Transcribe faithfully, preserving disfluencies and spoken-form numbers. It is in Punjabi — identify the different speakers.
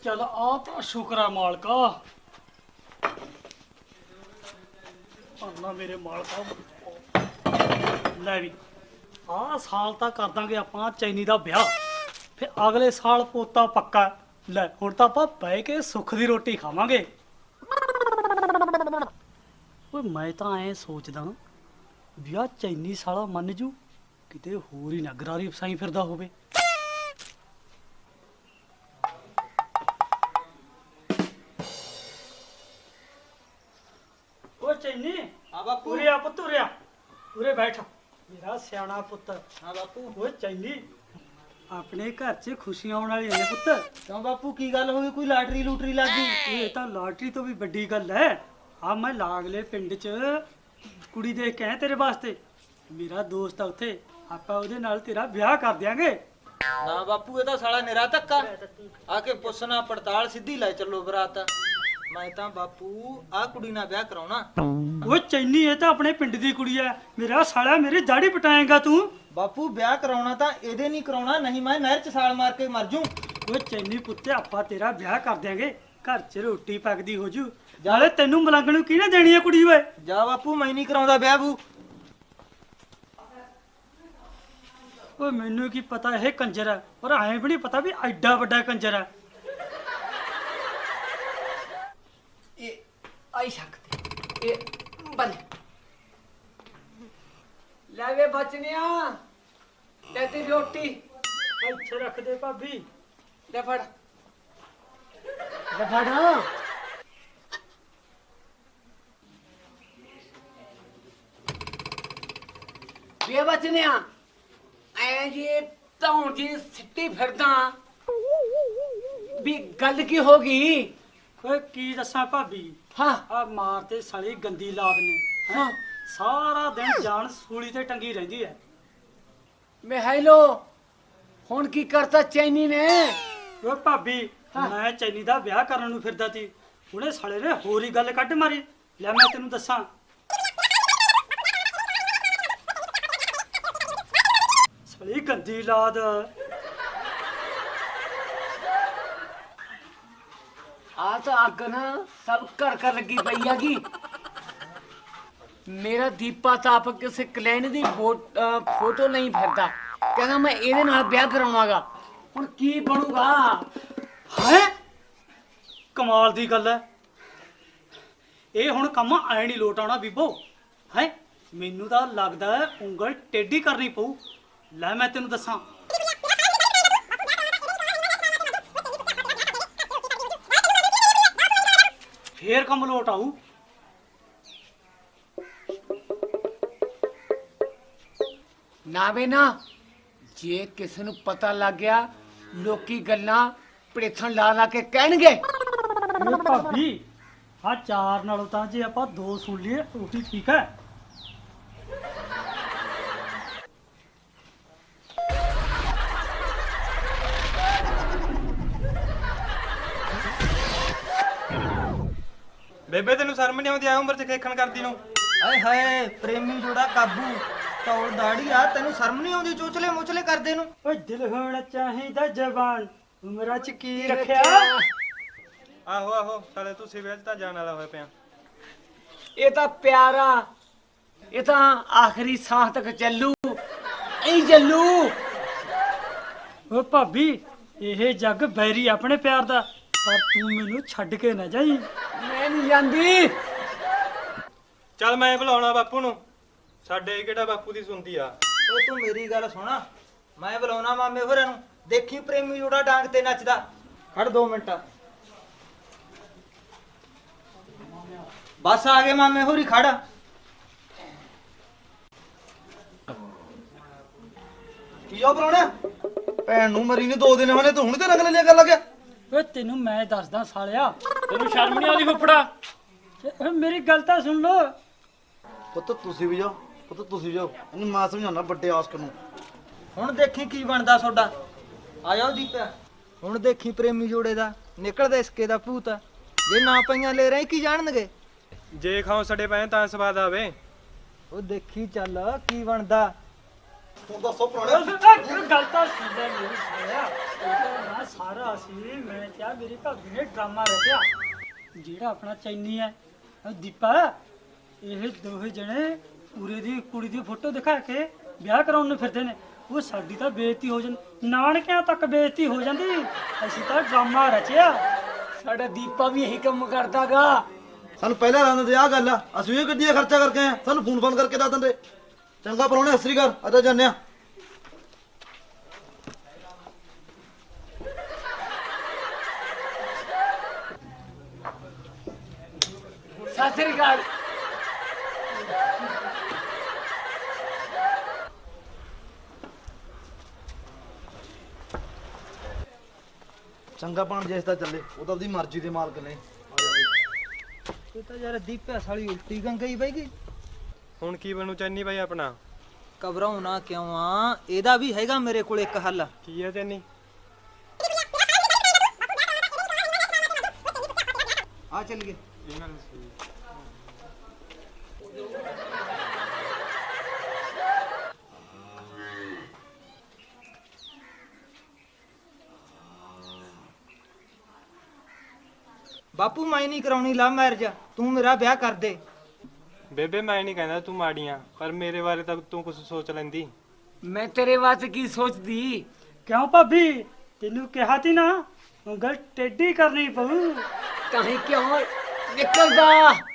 Speaker 1: चल आ तो शुक्र है मालका। अन्ना मेरे मालका लै भी आ साल तक कर देंगे आपां चैनी दा ब्याह, फिर अगले साल पोता पक्का। लै हुण तां आपां बह के सुख दी रोटी खावांगे। ओए मैं तां ऐ सोचदा भी आ चैनी साला मन जू किते होर ही ना गरारी फसाई फिरदा होवे। चैनी
Speaker 2: हाँ बापू।
Speaker 1: उरे आ पुत्त, उरे आ, उरे बैठ मेरा सियाना पुत्त।
Speaker 2: हाँ बापू।
Speaker 1: ओए चैनी अपने घर च खुशियां आने वाली ने पुत्त।
Speaker 2: क्यों बापू की गल हो गई, कोई लाटरी लूटरी लग गई?
Speaker 1: ये तो लाटरी तो भी बड़ी गल है। आ मैं लागले पिंड च कुड़ी देख के आया तेरे वास्ते। मेरा दोस्त है उत्थे, आपां ओदे नाल तेरा ब्याह कर देंगे।
Speaker 2: ना बापू, ये तो साला निरा धक्का आके पुछना पड़ताल सीधी लै चलो बरात। मैं तो बापू आ कुड़ी ना ब्याह कराउना।
Speaker 1: वो चैनी ये तो अपने पिंड दी कुड़ी है। मेरा साला मेरी दाढ़ी पटाएगा तू।
Speaker 2: बापू ब्याह कराउना तो एदे नहीं कराउना, नहीं मैं नहर च छाल मार के मर जूं।
Speaker 1: वो चैनी पुत्ते आपां तेरा ब्याह कर देंगे, घर च रोटी पकदी हो जू। नाले तेनू मलंगण किहने देनी है कुड़ी ओए?
Speaker 2: जा बापू, मैं नहीं कराउंदा ब्याह बू।
Speaker 1: ओए मैनू की पता है कंजर है, और ऐ भी नहीं पता भी एडा वड्डा कंजर है।
Speaker 3: ये आई सकते ये बल लावे बचनिया ले ती रोटी
Speaker 1: अच्छे रख दे भाभी।
Speaker 3: ले फड़ ले फड़। वे बचनिया ऐ जी तौं जी सिੱਟੀ ਫਿਰਦਾ भी गल की होगी?
Speaker 1: ओए की दसा भाभी,
Speaker 3: हाँ
Speaker 1: आ मार ते साली गंदी लाद ने हैं?
Speaker 3: हाँ
Speaker 1: सारा दिन जान सूली ते टंगी रहंदी है।
Speaker 3: मैं हेलो हुन की करता चैनी ने?
Speaker 1: ओए भाभी
Speaker 3: हाँ।
Speaker 1: मैं चैनी दा ब्याह करन नूं फिरदा सी, हुणे साले ने होर ही गल कढ मारी। ले मैं तेनू दसां, साली गंदी लाद।
Speaker 3: आ तो अग ना सब कर कर लगी पई हैगी। मेरा दीपा तो आप किसी क्लैन दी फोट- अ, फोटो नहीं फिरदा, कहना मैं ਇਹਦੇ ਨਾਲ ਵਿਆਹ ਕਰਾਉਣਾਗਾ। ਹੁਣ ਕੀ ਬਣੂਗਾ?
Speaker 1: है कमाल दी गल है। ਇਹ ਹੁਣ ਕੰਮ ਐ ਨਹੀਂ ਲੋਟ ਆਉਣਾ ਬੀਬੋ। ਹੈ ਮੈਨੂੰ ਤਾਂ ਲੱਗਦਾ ਹੈ ਉਂਗਲ ਟੇਢੀ ਕਰਨੀ ਪਊ। ਲੈ ਮੈਂ ਤੈਨੂੰ ਦੱਸਾਂ, ਫੇਰ ਕੰਮ ਲੋਟ ਆਊ।
Speaker 3: ਨਾ ਵੇ ਨਾ, ਜੇ ਕਿਸੇ ਨੂੰ ਪਤਾ ਲੱਗ ਗਿਆ ਲੋਕੀ ਗੱਲਾਂ ਪੜੇਥਣ ਲਾ ਲਾ ਕੇ ਕਹਿਣਗੇ।
Speaker 1: ਇਹ ਭਾਬੀ ਆ ਚਾਰ ਨਾਲੋਂ ਤਾਂ ਜੇ ਆਪਾਂ ਦੋ ਸੁਣ ਲਈਏ ਉਹੀ ਠੀਕ ਹੈ।
Speaker 4: ਬੇਬੇ ਤੈਨੂੰ ਸ਼ਰਮ ਨਹੀਂ ਆਉਂਦੀ ਆ ਉਮਰ ਚ ਖੇਖਣ ਕਰਦੀ ਨੂੰ?
Speaker 2: ਆਏ ਹਾਏ ਪ੍ਰੇਮੀ ਜੋੜਾ ਕਾਬੂ ਤੌਲ ਦਾੜੀ ਆ, ਤੈਨੂੰ ਸ਼ਰਮ ਨਹੀਂ ਆਉਂਦੀ ਚੋਚਲੇ ਮੋਚਲੇ ਕਰਦੇ ਨੂੰ?
Speaker 1: ਓਏ ਦਿਲ ਹੋਣਾ ਚਾਹੀਦਾ ਜਵਾਨ, ਉਮਰਾਂ ਚ ਕੀ ਰੱਖਿਆ।
Speaker 4: ਆਹੋ ਆਹੋ ਸਾਲੇ ਤੂੰ ਸਿਵਿਆਂ ਚ ਤਾਂ ਜਾਣ ਵਾਲਾ ਹੋਇਆ ਪਿਆ।
Speaker 3: ਇਹ ਤਾਂ ਪਿਆਰਾ, ਇਹ ਤਾਂ ਆਖਰੀ ਸਾਹ ਤੱਕ ਚੱਲੂ, ਐ ਚੱਲੂ।
Speaker 1: ਓ ਭਾਬੀ ਇਹ ਜੱਗ ਬੈਰੀ ਆਪਣੇ ਪਿਆਰ ਦਾ, ਪਰ ਤੂੰ ਮੈਨੂੰ ਛੱਡ ਕੇ ਨਾ ਜਾਈਂ।
Speaker 3: ਮੈਂ ਨਹੀਂ ਜਾਂਦੀ।
Speaker 4: ਚੱਲ ਮੈਂ ਬੁਲਾਉਣਾ ਬਾਪੂ ਨੂੰ, ਸਾਡੇ ਕਿਹੜਾ ਬਾਪੂ ਦੀ ਸੁਣਦੀ ਆ।
Speaker 2: ਓ ਤੂੰ ਮੇਰੀ ਗੱਲ ਸੁਣਾ, ਮੈਂ ਬੁਲਾਉਣਾ ਮਾਮੇ ਹੋਰਾਂ ਨੂੰ, ਦੇਖੀ ਪ੍ਰੇਮੀ ਜੋੜਾ ਡਾਂਗ ਤੇ ਨੱਚਦਾ। ਖੜ ਦੋ ਮਿੰਟ, ਬਸ ਆ ਗਏ ਮਾਮੇ ਹੋਰੀ, ਖੜ। ਕੀ ਜੋ ਬੁਲਾਉਣਾ? ਭੈਣ ਨੂੰ ਮਰੀ ਨੇ ਦੋ ਦਿਨ ਹੋਣੇ, ਤੂੰ ਹੁਣ ਤੇ ਰੰਗ ਲੈ ਲਿਆ ਕਰ ਲੱਗਿਆ।
Speaker 1: ਓਏ ਤੈਨੂੰ ਮੈਂ ਦੱਸਦਾ ਸਾਲਿਆ, ਤੈਨੂੰ ਸ਼ਰਮ ਨਹੀਂ ਆਉਂਦੀ ਫੁੱਫੜਾ? ਓਏ ਮੇਰੀ ਗੱਲ ਤਾਂ ਸੁਣ ਲੋ।
Speaker 5: ਪੁੱਤ ਤੁਸੀਂ ਵੀ ਜਾਓ, ਪੁੱਤ ਤੁਸੀਂ ਵੀ ਜਾਓ, ਇਹਨੂੰ ਮੈਂ ਸਮਝਾਉਣਾ ਵੱਡੇ ਆਸਕ ਨੂੰ।
Speaker 2: ਹੁਣ ਦੇਖੀ ਕੀ ਬਣਦਾ ਤੁਹਾਡਾ। ਆ ਜਾਓ ਦੀਪਿਆ, ਹੁਣ ਦੇਖੀ ਪ੍ਰੇਮੀ ਜੋੜੇ ਦਾ ਨਿਕਲਦਾ ਇਸਕੇ ਦਾ ਭੂਤ। ਜੇ ਨਾ ਪਈਆਂ ਲੈ ਰਹੇ ਕੀ ਜਾਣਨਗੇ।
Speaker 4: ਜੇ ਖਾਓ ਸਾਡੇ ਪਏ ਤਾਂ ਸਵਾਦ ਆਵੇ।
Speaker 2: ਉਹ ਦੇਖੀ ਚੱਲ ਕੀ ਬਣਦਾ।
Speaker 5: ਤੂੰ ਦੱਸੋ ਪੁਰਾਣੇ
Speaker 1: ਗੱਲ ਤਾਂ ਸੁਣ ਲੈ ਮੇਰੀ ਸਾਲਿਆ, ਇਹ ਤਾਂ ਨਾ ਸਾਰਾ ਸੀ ਮੈਂ ਕਿਹਾ ਕਿਹਾ ਮੇਰੀ ਭਾਬੀ ਨੇ ਡਰਾਮਾ ਰਚਿਆ। ਜਿਹੜਾ ਆਪਣਾ ਚੈਨੀ ਹੈ ਉਹ ਦੀਪਾ, ਇਹ ਦੋਹੇ ਜਣੇ ਪੂਰੇ ਦੀ ਕੁੜੀ ਦੀ ਫੋਟੋ ਦਿਖਾ ਕੇ ਵਿਆਹ ਕਰਾਉਣ ਨੂੰ ਫਿਰਦੇ ਨੇ। ਉਹ ਸਾਡੀ ਤਾਂ ਬੇਇੱਜ਼ਤੀ ਹੋ ਜਾਂਦੀ, ਨਾਨਕਿਆਂ ਤੱਕ ਬੇਇੱਜ਼ਤੀ ਹੋ ਜਾਂਦੀ। ਅਸੀਂ ਤਾਂ ਡਰਾਮਾ ਰਚਿਆ।
Speaker 3: ਸਾਡਾ ਦੀਪਾ ਵੀ ਇਹੀ ਕੰਮ ਕਰਦਾਗਾ।
Speaker 5: ਸਾਨੂੰ ਪਹਿਲਾਂ ਰਾਂ ਦਿੰਦੇ ਆਹ ਗੱਲ ਆ, ਅਸੀਂ ਵੀ ਗੱਡੀਆਂ ਖਰਚਾ ਕਰਕੇ ਆਏ ਆ, ਸਾਨੂੰ ਫੋਨ ਫੋਨ ਕਰਕੇ ਦੱਸ ਦਿੰਦੇ। ਚੰਗਾ ਪਰੋਣੇ ਅਸਰੀ ਕਰ ਅੱਜ ਜਾਂਦੇ ਆ।
Speaker 3: ਸਤਿ ਸ੍ਰੀ ਅਕਾਲ।
Speaker 5: ਚੰਗਾ ਪਾਣ ਜਿਸ ਦਾ ਚੱਲੇ, ਉਹ ਤਾਂ ਆਪਦੀ ਮਰਜ਼ੀ ਦੇ ਮਾਲਕ ਨੇ।
Speaker 2: ਇਹ ਤਾਂ ਯਾਰ ਦੀਪਿਆ ਸਾਲੀ ਉਲਟੀ ਗੰਗਈ ਬਈ ਗਈ।
Speaker 4: ਹੁਣ ਕੀ ਬਣੂ ਚੰਨੀ ਬਾਈ ਆਪਣਾ?
Speaker 2: ਘਬਰਾਉਣਾ ਕਿਉਂ ਆ, ਇਹਦਾ ਵੀ ਹੈਗਾ ਮੇਰੇ ਕੋਲ ਇੱਕ ਹੱਲ।
Speaker 4: ਕੀ ਹੈ ਚੰਨੀ?
Speaker 2: ਆ ਚੱਲ ਗਏ। ਬਾਪੂ ਮੈਂ ਨਹੀਂ ਕਰਾਉਣੀ ਲਵ ਮੈਰਿਜ, ਤੂੰ ਮੇਰਾ ਵਿਆਹ ਕਰ ਦੇ।
Speaker 4: ਬੇਬੇ ਮੈਂ ਨਹੀਂ ਕਹਿੰਦਾ ਤੂੰ ਮਾੜੀਆਂ, ਪਰ ਮੇਰੇ ਬਾਰੇ ਤਾਂ ਤੂੰ ਕੁਝ ਸੋਚ ਲੈਂਦੀ।
Speaker 3: ਮੈਂ ਤੇਰੇ ਵਾਸਤੇ ਕੀ ਸੋਚਦੀ?
Speaker 1: ਕਿਉਂ ਭਾਬੀ, ਤੈਨੂੰ ਕਿਹਾ ਤੀ ਨਾ ਉਂਗਲ ਟੇਢੀ ਕਰਨੀ ਪਊ।
Speaker 3: ਤਾਂ ਹੀ ਕਿਉਂ ਨਿਕਲਦਾ